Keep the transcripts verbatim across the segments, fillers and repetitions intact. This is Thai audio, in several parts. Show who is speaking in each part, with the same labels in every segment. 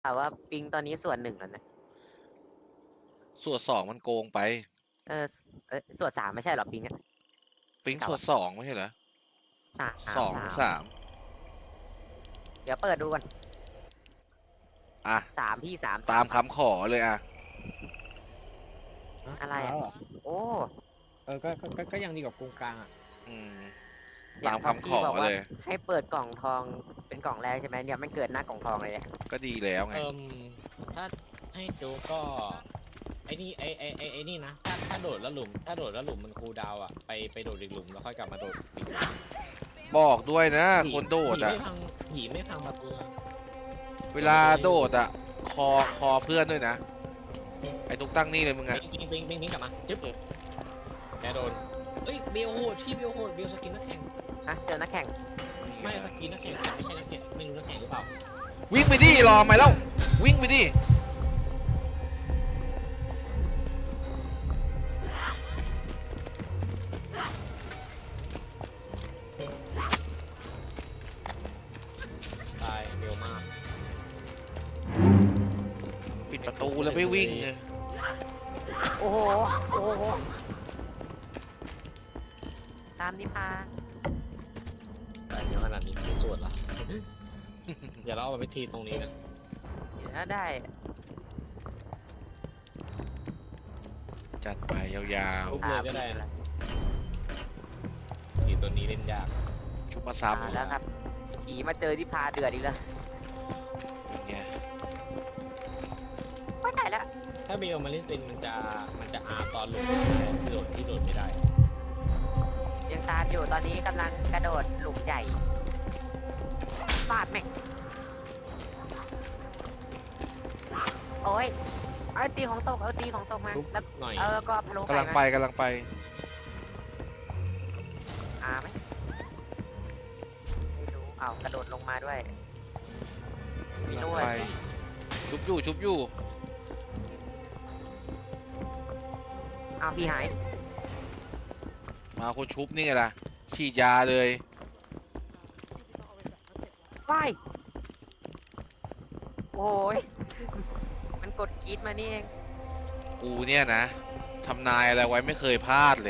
Speaker 1: แต่ว่าปิงตอนนี้ส่วนหนึ่งแล้วนะ
Speaker 2: ส่วนสองมันโกงไป
Speaker 1: เออเออส่วนสามไม่ใช่หรอปิงอะ
Speaker 2: ปิงส่วนสองไม่ใช่เหรอ
Speaker 1: สาม
Speaker 2: สอง
Speaker 1: สาม
Speaker 2: สาม
Speaker 1: เดี๋ยวเปิดดูก่อน
Speaker 2: อ่ะ
Speaker 1: สามพี่สาม
Speaker 2: ตามคำขอเลยอ่ะ
Speaker 1: อะไรอ่ะโอ้
Speaker 3: เออก็ก็ก็ก็ยังดีกว่ากงกลางอ่ะ
Speaker 2: อืมตามคำขอเลย
Speaker 1: ให้เปิดกล่องทองเป็นกล่องแรกใช่ไหมเนี่ยไม่เกิดหน้ากล่องทองเลยเนี่ย
Speaker 2: ก็ดีแล้วไง
Speaker 3: เอิมถ้าให้ดูก็ไอ้นี่ไอ้ไอ้ไอ้ไอ้นี่นะถ้าถ้าโดดแล้วหลุมถ้าโดดแล้วหลุมมันคูลดาวน์อ่ะไปไปโดดอีกหลุมแล้วค่อยกลับมาโดดอีกหลุม
Speaker 2: บอกด้วยนะ คนโดด
Speaker 3: หี
Speaker 2: อ่ะ
Speaker 3: ไม่พังหีไม่พังประตูนะ
Speaker 2: เวลาโดดอ่ะ คอคอเพื่อนด้วยนะ ไอ้ตุ๊กตั้งนี่เลยมึงอ่ะ
Speaker 3: ปิงปิงปิงปิงกลับมาจึ๊บแกโดนเอ้ยเบลโหดพี่เบลโหดเบลสกินนักแข่ง
Speaker 1: ฮะเจอนักแข่ง
Speaker 3: ไม่สกินนักแข่งแต่ไม่ใช่นักแข่งไม่รู้นักแข่งหรือเปล่า
Speaker 2: วิ่งไปดิรอไหมเล่าวิ่งไปดิ
Speaker 3: ตายเร็วมาก
Speaker 2: ปิดประตูแล้วไม่วิ่งเลย
Speaker 1: โอ้โหโอ้โหตามนิพา
Speaker 3: ตายเยอะขนาดนี้ไม่สวดเหรอ เดี๋ยวเราเอาไปทีตรงนี้นะ
Speaker 1: เดี๋ยวได้
Speaker 2: จัดไปยาว
Speaker 3: ทุบเลยก็ได้นะทีตัวนี้เล่นยาก
Speaker 2: ๆชุบมา
Speaker 1: มา
Speaker 2: ซ้ำ
Speaker 1: แล้วครับผีมาเจอนิพาเดือดอีกแล้ว
Speaker 2: อย่างเงี้ย
Speaker 1: ไม่ได้แล้ว
Speaker 3: ถ้าเบลมาเล่นเป็นมันจะมันจะอาตอนหลุดที่โดดที่โดดไม่ได้
Speaker 1: ยังตามอยู่ตอนนี้กำลังกระโดดหลุมใหญ่ฟาดแม่งโอ้ยเอาตีของตกเอาตีของตกมา
Speaker 3: ทุบ
Speaker 1: แล้ว
Speaker 3: หน่อย
Speaker 1: เออก็พะโล้
Speaker 2: กำลัง
Speaker 1: มา
Speaker 2: ไปกำลังไป
Speaker 1: อาไหมไม่รู้อ้าวกระโดดลงมาด้วยมี
Speaker 2: กำลัง
Speaker 1: ด้วย
Speaker 2: ไป ชุบอยู่ชุบอยู่
Speaker 1: อ้าวพี่หาย
Speaker 2: มาคนชุบนี่ไงล่ะฉีดยาเลย
Speaker 1: ว้ายโอ้ยมันกดกรีดมานี่เอง
Speaker 2: กูเนี่ยนะทำนายอะไรไว้ไม่เคยพลาดเลย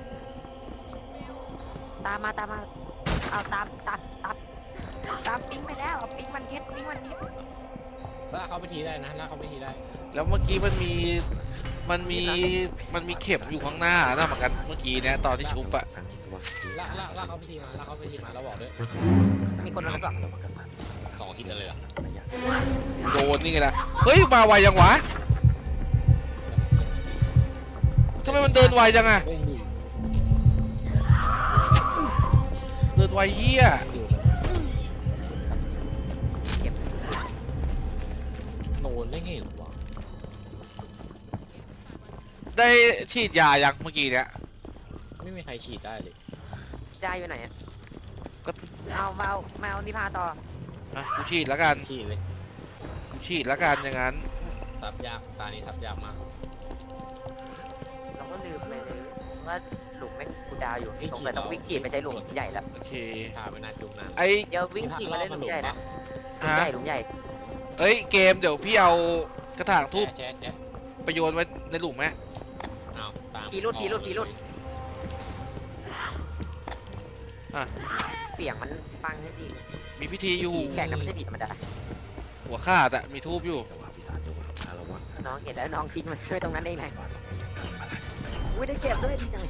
Speaker 1: ตามมาตามมาเอาตามตามตามตามปิงไปแล้วเอาปิงมันทิศปิงมันทิศ
Speaker 3: ลากเขาไปทีได้นะลากเขาไปทีได้
Speaker 2: แล้วเมื่อกี้มันมีมันมีมันมีเข็มอยู่ข้างหน้านะเหมือนกันเมื่อกี้เนี่ยตอนที่ชุบอะ
Speaker 3: ลากลากลากเขาไปทีมาลากเขาไปทีมาแล้วบอกด้วย
Speaker 1: มีคนมาสอง
Speaker 3: สองทีกันเลยเหรอ
Speaker 2: โดนนี่ไงล่ะเฮ้ยมาไวยังวะทำไมมันเดินไวจังอะ
Speaker 3: เล่นอยู่
Speaker 2: เดินไวเฮีย
Speaker 3: อยู่
Speaker 1: เก็บ
Speaker 3: โดนได้ไงวะ
Speaker 2: ได้ฉีดยายังเมื่อกี้เนี่ย
Speaker 3: ไม่มีใครฉีดได้เลย
Speaker 1: ยายอยู่ไหนอะ
Speaker 2: ก็
Speaker 1: เอามาเอามาเอานิพาต่อ
Speaker 2: อ่ะกูฉีดแล้วกัน
Speaker 3: ฉีดเลย
Speaker 2: กูฉีดแล้วกันอย่างนั้น
Speaker 3: ซับยากตานี้ซับยากมาก
Speaker 1: เราก็ลืมไปเลยว่าหลุมแม่งกูดาวอยู่สงสัยต้องวิ่งฉีดไปใช้หลุมใหญ่แล้ว
Speaker 2: โอเค
Speaker 3: ชาไม่น่าจุกนาน
Speaker 2: ไอ้
Speaker 1: เดี๋ยววิ่งฉีดมาเล่นหลุมใหญ่นะหลุม
Speaker 2: ฮะ
Speaker 1: ใหญ่หลุมใหญ่
Speaker 2: เอ้ยเกมเดี๋ยวพี่เอากระถางทูบ
Speaker 3: แชะแชะ
Speaker 2: ไปโยนไว้ในหลุมไหม
Speaker 3: เอาตาม
Speaker 1: ผีรุดผีรุดผีรุดเสียงมันฟังให้ดี
Speaker 2: มีพิธีอยู่
Speaker 1: ผีแข่งนะไม่ใช่ผีธรรมดา
Speaker 2: หัวขาดอะมีทูบอยู่
Speaker 1: น้องเห็นแล้วน้องทิ้งมันไว้ตรงนั้นเองไงอุ้ยได้เก็บด้วยดีจัง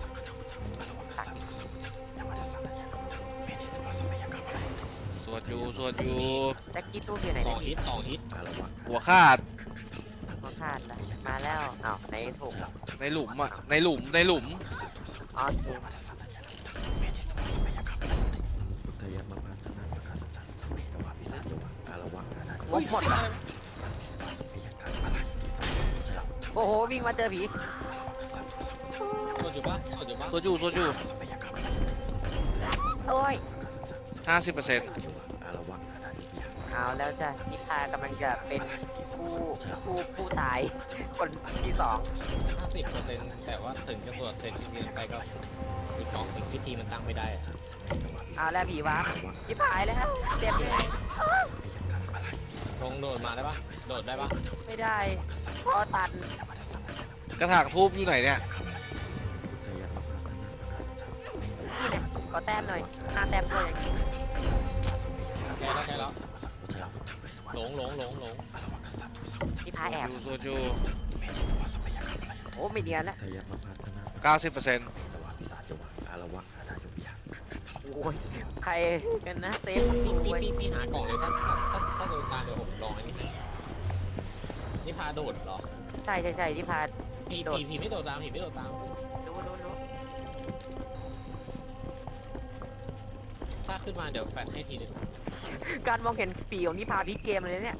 Speaker 2: สวดอยู่สวดอยู่
Speaker 1: แจ็คกี้ตู้อยู่ไหน
Speaker 3: สอง
Speaker 1: เนี่ย
Speaker 3: ฮิตสองฮิต
Speaker 2: หัวขาด
Speaker 1: เขาขาดแล้วมาแล้วอ้าวในถูก
Speaker 2: ในหลุมอะในหลุมในหลุม
Speaker 1: อ๋อถูกโอ้ยหมดว่ะโอ้โหวิ่งมาเจอผี
Speaker 3: สวดอยู่ปะสวดอยู่ปะ
Speaker 2: สวดอยู่สวดอยู่
Speaker 1: โอ้ย
Speaker 2: ห้าสิบเปอร์เซ็นต์
Speaker 1: เอาแล้วจ้ะนิชากำลังจะเป็นผู้ผู้ผู้ตายคนที่สอง
Speaker 3: ห้าสิบเปอร์เซ็นต์แต่ว่าถึงจะตรวจเสร็จที่เรียนไปก็อีกกองอีกพิธีมันตั้งไม่ได้อะ
Speaker 1: เอาแล้วผีวะยิบหายแล้วเจ็บยังไง
Speaker 3: ลงโดดมาได้ปะโดดได้ปะ
Speaker 1: ไม่ได้เพราะตัน
Speaker 2: กระถางทูบอยู่ไหนเนี่ย
Speaker 1: นี่เนี่ยขอแต้มหน่อยหน้าแต้มด้วยอย่างนี้
Speaker 3: แค่แล้วแค่แล้วหลงหลงหลงหลง
Speaker 1: นี่พาแอบ
Speaker 2: อยู่โซจู
Speaker 1: โอ้ไม่เนียนละ
Speaker 2: เก้าสิบเปอร์เซ็นต์
Speaker 1: โอ้ยใครกันนะเซฟ
Speaker 3: พี่
Speaker 1: โอ้
Speaker 3: พี่
Speaker 1: ย
Speaker 3: พี่พี่หากล่องเลยถ้าถ้าถ้าถ้าโดนการเดี๋ยวผมลองไอ้นี่ให้นี่พาโดดเหรอ
Speaker 1: ใช่ใช่ใช่ที่พา
Speaker 3: พี่
Speaker 1: โดด
Speaker 3: พี่พี่ไม่โดดตามพี่ไม่โดดตาม
Speaker 1: รู้รู้รู้
Speaker 3: ถ้าขึ้นมาเดี๋ยวแฟนให้ทีหนึง
Speaker 1: การมองเห็นปีของนี่พาพลิกเกมเลยเนี่ย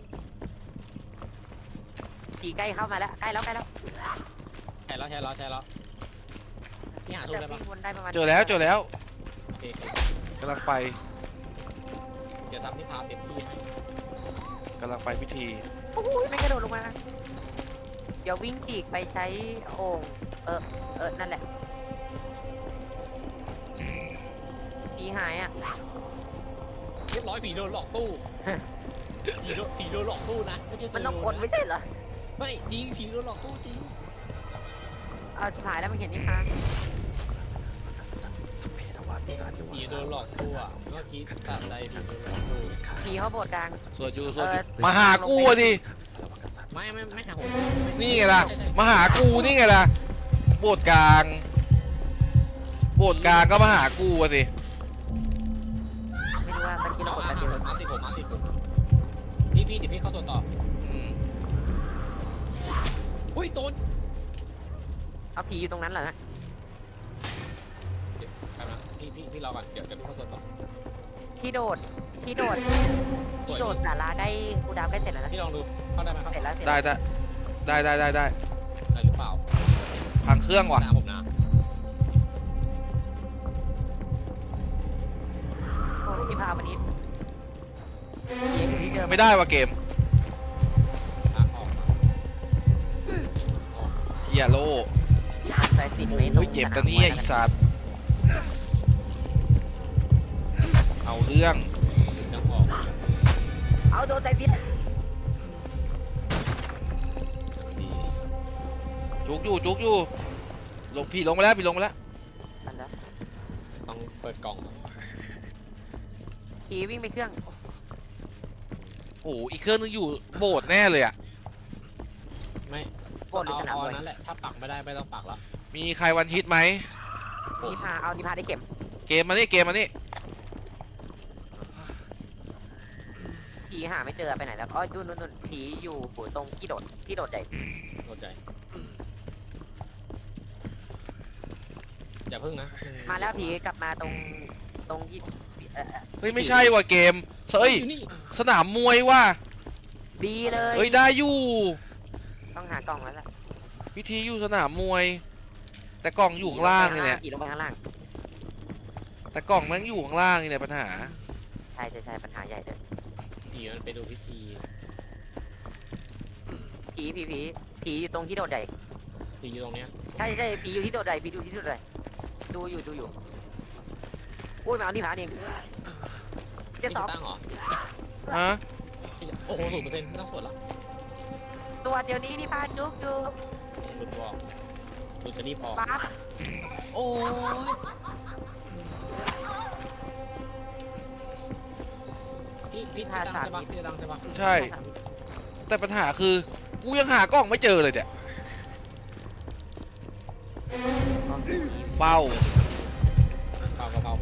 Speaker 1: ปีใกล้เข้ามาแล้วใกล้แล้วใกล้แล้ว
Speaker 3: ใช่แล้วใช่แล้วใช่แล้วพี่หาทุก
Speaker 1: จะ
Speaker 3: ได้ปะ
Speaker 1: วิ่งวนได้ประมาณ
Speaker 2: เจอแล้วเจอแล้ว
Speaker 3: โอเคโอเค
Speaker 2: กำลังไป
Speaker 3: เดี๋ยวทำที่พาเต็มที่ให้
Speaker 2: กำลังไปพิธี
Speaker 1: โอ้ยไม่กระโดดลงมา เดี๋ยววิ่งจีกไปใช้โอ่งเออเออนั่นแหละปีหายอ่ะ
Speaker 3: เรียบร้อยผีโดนหลอกตู้ผีโดนผีโดนหลอกตู้นะไม่ใช่
Speaker 1: มันต้อง
Speaker 3: โด
Speaker 1: กดไม่ใช่เหรอ
Speaker 3: ไม่จริงผีโดนหลอกตู้จริง
Speaker 1: เอาชิบหายแล้วมันเห็นนี่พา
Speaker 3: ผีโดนหลอกตู้อ่ะเมื่อกี้ตัดอะไรผีโดนหลอกตู้
Speaker 1: ปีเขาโบดกลาง
Speaker 2: สวดอยู่สวด
Speaker 1: เอ
Speaker 2: อยู่
Speaker 1: อ
Speaker 2: มาหากูอะดิ
Speaker 3: ไม่ไม่ไม่หาผม
Speaker 2: นี่ไงล่ะ มาหากูนี่ไงล่ะ โบสถ์กลาง โบสถ์กลางก็มาหากูอะสิ
Speaker 1: ไม่รู้ว่ามันกิน
Speaker 3: เรา
Speaker 1: เรากด
Speaker 3: อา
Speaker 1: กันเดียว
Speaker 3: มาติดผมมาติดผมพี่พี่เดี๋ยวพี่เข้าตัวต่อ
Speaker 2: อืม
Speaker 3: อุ้ยโดน
Speaker 1: เอาผีอยู่ตรงนั้นเหรอนะ
Speaker 3: กำลังพี่พี่พี่รอก่อนเดี๋ยวเดี๋ยวพี่เข้าตัวต่อ
Speaker 1: ที่โดดที่โดด
Speaker 3: สวย
Speaker 1: ที่โดดสาราใกล้กูดาวใกล้เสร็จแล้วนะ
Speaker 3: พี่ลองดูเข้าได้ไหมครับ
Speaker 1: เสร็จแล้วเสร็จ
Speaker 2: ได้
Speaker 1: แล้ว
Speaker 2: ได้ได้ได้ได้ได้
Speaker 3: ได้หรือเปล่า
Speaker 2: พังเครื่องว่ะ
Speaker 3: หน้าผมนะ
Speaker 1: โอ้ยที่พาวันนี้ผีอยู่ที่เดิม
Speaker 2: ไม่ได้ว่ะเกม
Speaker 3: ลากออกออก
Speaker 2: เฮียโล
Speaker 1: ใส่สิบเมตร
Speaker 2: เฮ้ยเจ็บตะเนี่ยไอีสัตว์เอาเรื่อง
Speaker 3: ดึงออก
Speaker 1: เอาโดนใส่สิบ
Speaker 3: ดี
Speaker 2: จุกอยู่จุกอยู่ลงพี่ลงมาแล้วพี่ลงมาแล้ว
Speaker 1: นั่นแหละ
Speaker 3: ต้องเปิดกล่อง
Speaker 1: ผีวิ่งไปเครื่อง
Speaker 2: โอ้โหอีกเครื่องนึงอยู่โบสถ์แน่เลยอ่ะ
Speaker 3: ไม่
Speaker 1: โบดหรือ
Speaker 3: เอา
Speaker 1: สนาม
Speaker 3: เอา
Speaker 1: มวย
Speaker 3: นั้นแหละถ้าปักไม่ได้ไม่ต้องปักแล้ว
Speaker 2: มีใครวันฮิตไหม
Speaker 3: ผม
Speaker 1: นิพาเอานิพาได้เข็ม
Speaker 2: เกมมานี่เกมมานี่
Speaker 1: ผีหาไม่เจอไปไหนแล้วอ๋อดูนู่นนู่นผีอยู่หัวตรงที่โดดที่โดดใหญ่
Speaker 3: เข้าใจอย่าพึ่งนะ
Speaker 1: มาแล้วผีกลับมาตรงตรงที่เอ่อ
Speaker 2: เฮ้ยไม่ใช่ว่ะเกมเฮ้ย
Speaker 3: อยู่นี่
Speaker 2: สนามมวยว่ะ
Speaker 1: ดีเลย
Speaker 2: เฮ้ยได้อยู่
Speaker 1: ต้องหากล่องแล้วล่ะ
Speaker 2: พิธีอยู่สนามมวย แต่กล่องอยู่ข้างล่างเลยเนี่ย
Speaker 1: ผีลงไปข้างล่าง
Speaker 2: แต่กล่องแม่งอยู่ข้างล่างนี่เนี่ยปัญหา
Speaker 1: ใช่ใช่ใช่ปัญหาใหญ่เลย
Speaker 3: ผีมันไปดูพิธี
Speaker 1: ผีผีผีผีอยู่ตรงที่โดดใหญ่
Speaker 3: ผีอยู่ตรงเนี้ย
Speaker 1: ใช่ใช่ผีอยู่ที่โดดใหญ่ผีอยู่ที่โดดใหญ่ดูอยู่ดูอยู่อุ้ยมาเอานี่ผาเองเจ็ด
Speaker 3: พี่
Speaker 1: สอง
Speaker 3: ตั้งเหรอ
Speaker 2: ฮะ
Speaker 3: พี่โอ้โหศูนย์เปอร์เซ็นต์ไม่ต้องสวดหรอก
Speaker 1: ตัวเดี๋ยวนี้นี่พาจุกจุก
Speaker 3: หลุดบอกหลุดจะรีบออก
Speaker 1: ปั๊บ
Speaker 3: โอ้ยพี่พี่พี่ดังใช่ปะพี่ดังใช่ปะ
Speaker 2: ใช่ แต่ปัญหาคือกูยังหากล้องไม่เจอเลยเนี่ยเป้า
Speaker 3: เปล่าเปล่าเปล่า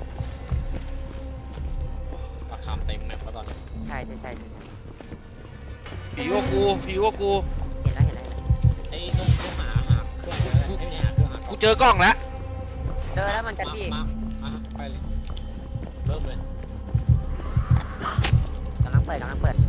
Speaker 3: ราคาเต็มแมปแล้วตอนนี้
Speaker 1: ใช่ใช่ใช่ใช่
Speaker 2: ผีว่ากูผีว่ากู
Speaker 1: เห็นแล้วเห็นแล้ว
Speaker 3: ไอ้ต้องต้องหาหาเครื่องอะไรไม่ใช่หาเครื่องหา
Speaker 2: กูเจอกล้องแล้ว
Speaker 1: เจอแล้วเหมันกันพี่
Speaker 3: มาอ่ะไปเลยเริ่มเลย
Speaker 1: กำลังเปิดกำลังเปิด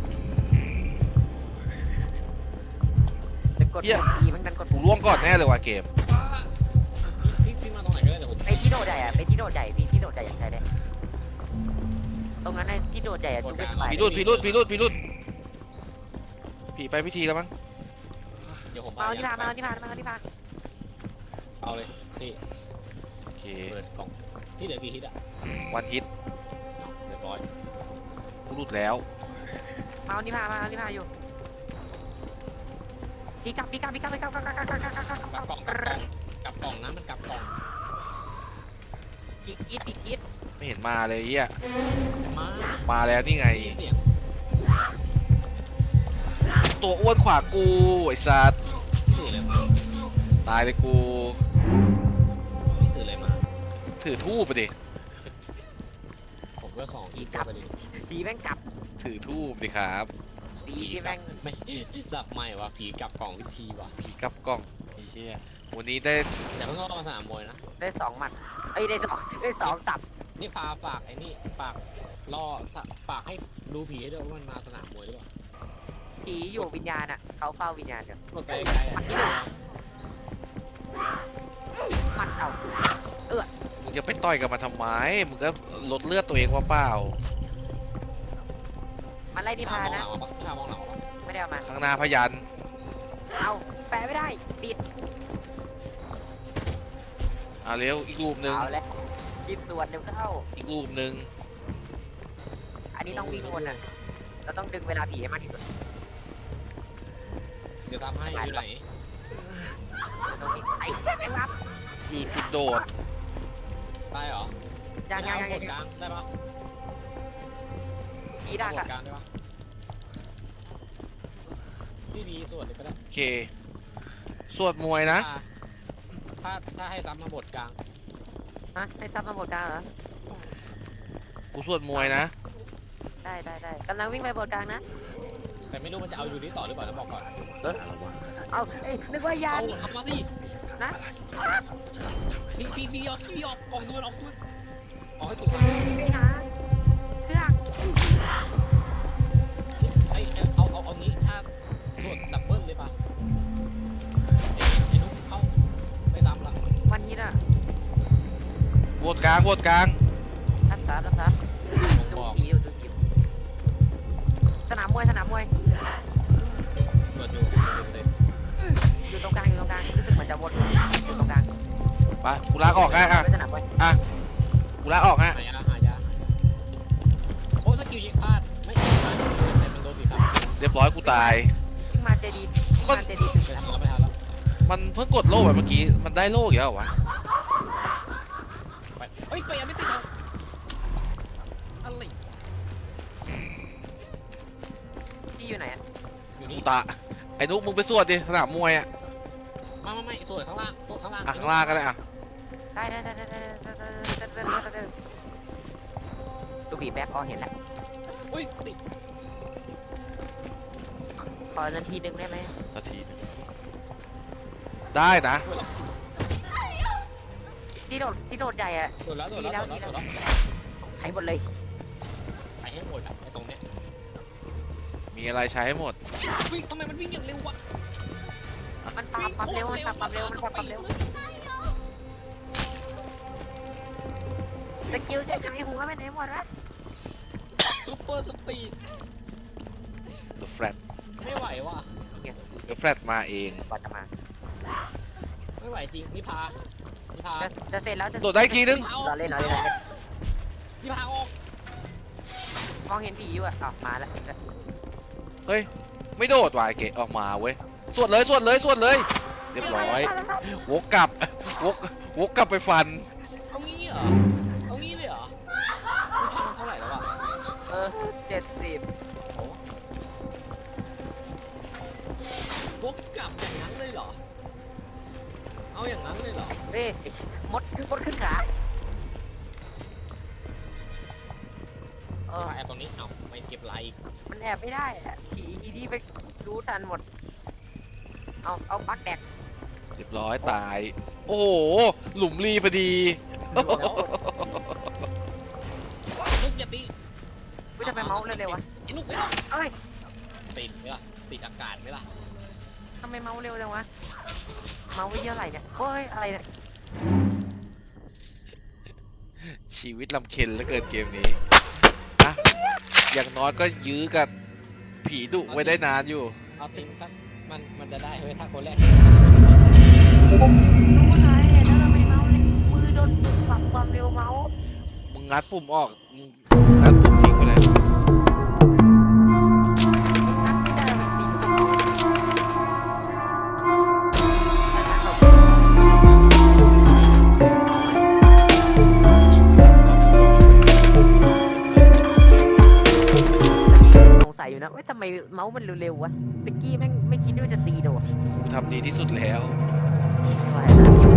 Speaker 1: จะกดปุ่ม E มันกันกด
Speaker 2: กู
Speaker 1: ปุ่ม
Speaker 2: ล่วงก่อนแน่เลยว่ะเกม
Speaker 3: พี่พี่มาตรงไหนก็ได้เดี๋ยวผม
Speaker 1: ไปที่โดดใหญ่อะไปที่โดดใหญ่พี่ที่โดดใหญ่อย่างใช่เลยตรงนั้นไอ้ที่โดดใหญ่อะจุกเป็นฝ่าย
Speaker 2: ผีรุดผีรุดผีรุดผีรุดผีไปพิธีแล้วมั้ง
Speaker 3: เดี๋ยวผม
Speaker 1: มาเอาที่พามาเอาที่พามาเอาที่พา
Speaker 3: เอาเลยพี่
Speaker 2: โอเค
Speaker 3: เปิดกล่องที่เหลือกี่ฮิตอ่ะ
Speaker 2: วันฮิต
Speaker 3: เรียบร้อย
Speaker 2: กูรุดแล้ว
Speaker 1: มมาเอานี่พามาเอานี่พาอยู่ปีกลับปีกลับปีกลับปีกลับกลับกลับกลับกลับกลับกลับกลับ
Speaker 3: กลับกล่องกลับกล่องกลับกล่องนะมันกลับกล่อง
Speaker 1: ปีกอีดปีกอีด
Speaker 2: ไม่เห็นมาเลยเฮีย
Speaker 3: มา
Speaker 2: มาแล้วนี่ไง
Speaker 3: เสียง
Speaker 2: ตัวอ้วนขวากูไอ้สัตว์
Speaker 3: ถือเลยมา
Speaker 2: ตายเลยกู
Speaker 3: ไม่ถือเลยมา
Speaker 2: ถือทูบไปดิ
Speaker 3: ผมก็สองอีกไปดิ
Speaker 1: ผีแม่งกลับ
Speaker 2: ถือทูบดิครับ
Speaker 1: ผีที่แม่ง
Speaker 3: ไม่สับใหม่ว่ะผีกลับกล่องวิธีว่ะ
Speaker 2: ผีกลับกล้องไอ้เหี้ยวันนี้ได้
Speaker 3: แต่เพิ่งเข้ามาสนามมวยนะ
Speaker 1: ได้สองหมัดเอ้ยได้สองได้สองตับ
Speaker 3: นี่พาฝากไอ้นี่ฝากล่อฝากให้ดูผีให้ด้วยว่ามันมาสนามมวยหรือเปล่า
Speaker 1: ผีอยู่วิญญาณอ่ะเขาเฝ้าวิญญาณอยู่
Speaker 3: กดไกลๆอ่ะ
Speaker 1: หมัดเอา
Speaker 2: มึงจะไปต่อยกับมันทำไมมึงก็ลดเลือดตัวเองว่าเปล่า
Speaker 1: มันไล่นิ
Speaker 3: พา
Speaker 1: พาม
Speaker 3: องห
Speaker 1: นะ
Speaker 3: ลังมาปะพามองหลังมาปะ
Speaker 1: ไม่ได้เอามา
Speaker 2: ข้างหน้าพยัน
Speaker 1: เอาแปะไม่ได้ติด
Speaker 2: อ่ะเร็วอีกรูปหนึ่ง
Speaker 1: เอาแล้วกินส่วนเร็วเข้า
Speaker 2: อีกรูปหนึ่ง
Speaker 1: อันนี้ต้องวิ่งวนอ่ะเราต้องดึงเวลาผีให้มากที่สุด
Speaker 3: เดี๋ยวทำให้อยู่ไหน
Speaker 1: ตรงนี้ไอ้แม่งรับ
Speaker 2: อยู่จุดโดด
Speaker 3: ได้เหรอ
Speaker 1: ยังยังยัง
Speaker 3: ก
Speaker 1: ยั
Speaker 3: ด
Speaker 1: ง
Speaker 3: กลางได้ปะ
Speaker 1: ผีดัก
Speaker 3: ก
Speaker 1: อ่ะ
Speaker 3: ดกลางได้ปะพี่ดีส่วนเลยก็ได้
Speaker 2: โอเค สวดมวยนะ
Speaker 3: ถ้าถ้าให้ซ้ำมาบทกลาง
Speaker 1: ฮะให้ซับมาหมดกลางเหรอ
Speaker 2: กูสวดมวยนะ
Speaker 1: ได้ได้ได้กำลังวิ่งไปบนกลางนะ
Speaker 3: แต่ไม่รู้มันจะเอาอยู่นี่ต่อหรือเปล่าต้องบอกก่อน
Speaker 1: เอาเอ้ยนึกว่า
Speaker 3: เอา
Speaker 1: ยาน
Speaker 3: ทำมาดิ
Speaker 1: นะ
Speaker 3: พี่พี่พี่ออกพี่ออกออกดูออกดูออกให้ถูกมา
Speaker 1: ไปหาเครื่อง
Speaker 3: ไอ้เอาเอาเอางี้ถ้าตรวจดับเบิลเลยปะไอ้ไอ้นุ๊กเข้าไปซ้ำละ
Speaker 1: วันนี้น่ะ
Speaker 2: โหวตกลางโหวตกลาง
Speaker 1: รับทราบรับทราบ
Speaker 3: ผม
Speaker 1: ดู
Speaker 3: บอก
Speaker 1: ผีอยู่ดูผีอยู่สนามมวยสนามมวย
Speaker 3: ตรวจอยู่เต็ม
Speaker 1: อยู่ตรงกลางอยู่ตรงกลางรู้สึกเหมือนจะวนอยู่ตรงกลาง
Speaker 2: ไปกูลากออกนะอ่ะ
Speaker 1: ไปสนามมวย
Speaker 2: กูลากออกฮะ
Speaker 3: หายาหายาโอ้สกิลยิงพลาดไม่ยิงพลาดแต่มันโดนสีขาว
Speaker 2: เรียบร้อยกูตาย
Speaker 1: วิ่งมาเจดีวิ่งมาเจดีถึง
Speaker 3: ไป
Speaker 1: แล้ว
Speaker 3: ทันแล้วไปทันแล้ว
Speaker 2: มันเพิ่งกดโล่ไปเมื่อกี้ มันได้โล่อีกแล้วเหรอวะ
Speaker 3: ไปเฮ้ยไปยังไม่ติดแล้วอะไร
Speaker 1: พี่อยู่ไหนอะ
Speaker 3: อยู่
Speaker 2: กู
Speaker 3: นี่
Speaker 2: ตาไอ้นุ๊กมึงไปสวดดิสนามมวยอ่ะ
Speaker 3: ไม่ไม่ไม่ส่วนข้างล่างส่วนข้างล่าง
Speaker 2: อ่ะข้างล่างก็ได้อ่ะ
Speaker 1: ได้ได้ได้ได้ได้ได้ได้ได้ได้ได้ดูผีแบ็คพอเห็นแล้ว
Speaker 3: อุ้ยติด
Speaker 1: ขอนาทีหนึ่งได้ไหม
Speaker 2: นาทีหนึงได้นะ
Speaker 3: ส่วนแล้ว
Speaker 1: ที่โดดที่โดดใหญ่อะ
Speaker 3: ส่วนแล้วส่วนแล้วส่วนแล้วส่วนแล้ว
Speaker 1: ใช้หมดเลย
Speaker 3: ไปให้หมดอะไอ้ตรงเนี้ย
Speaker 2: มีอะไรใช้ให้หมด
Speaker 3: วิ่งทำไมมันวิ่งอย่างเร็ววะ
Speaker 1: มันปรับปรับเร็วมันปรับปรับเร็วมันปรับปรับเร็วสกิลจะหายหัวไปไหนหมดวะ
Speaker 3: ซูเปอร์สปีด
Speaker 2: The Flat
Speaker 3: ไม่ไหวว่ะ
Speaker 2: The Flat มาเอง
Speaker 1: บอลจะมา
Speaker 3: ไม่ไหวจริงนิพานิพา
Speaker 1: จะจะเสร็จแล้วจะ
Speaker 2: โดดได้อีกทีนึง
Speaker 3: เอา
Speaker 1: รอเล่นรอเล่นรอเล่น
Speaker 3: นิพาออก
Speaker 1: มองเห็นผีอยู่อะอ้าวมาแล้ว
Speaker 2: เฮ้ย ไม่โดดว่ะไอ้เก๋ออกมาเว้ย สวดเลยสวดเลยสวดเลย เรียบร้อยวกกลับวกวกกลับไปฟัน
Speaker 3: เอางี้เหรอเอางี้เลยเหรอนิพามันเท่าไหร่แล้วอะ
Speaker 1: เออเจ็ดสิบ
Speaker 3: วกกลับอย่างนั้นเลยเหรอเอาอย่างนั้นเลยเหรอ
Speaker 1: เฮ้ยมดมดขึ้นขาเอ
Speaker 3: นิ
Speaker 1: อ
Speaker 3: พาแอบตรงนี้เอ้าไม่เก็บไลค์
Speaker 1: มันแอบไม่ได้อะผีอีนี่ไปรู้ทันหมดเอาเอาปักแดก
Speaker 2: เรียบร้อยตาย โอ้โห หลุมรีพอดี
Speaker 3: แล้วนุกอย่าตี
Speaker 1: วิทำไมเมาส์เร็วๆวะ
Speaker 3: ไอ้นุกไอ้นุก
Speaker 1: เอ้ย
Speaker 3: ติดไหมล่ะติดอากาศไหมล่ะ
Speaker 1: ทำไมเมาส์เร็วจังวะเมาส์ไว้เยอะอะไรเนี่ยเฮ้ยอะไรเนี่ย
Speaker 2: ชีวิตลำเค็ญเหลือเกินเกมนี้อะอย่างน้อยก็ยื้อกับผีดุไว้ได้นานอยู่
Speaker 3: เอาติงครับมันมันจะได้เฮ้ยถ้าคนแรก
Speaker 1: รู้อะไรแล้วทำไมเมาส์เร็วมือโดนปรับความเร็วเมาส์
Speaker 2: มึงงัดปุ่มออกมึงงัดปุ่มทิ้งไปเลย
Speaker 1: อยู่นะว่าทำไมเมาส์มันเร็วๆวะตะกี้แม่งไม่คิดว่าจะตีโดด
Speaker 2: กูทำดีที่สุดแล้ว
Speaker 1: อะไรนะ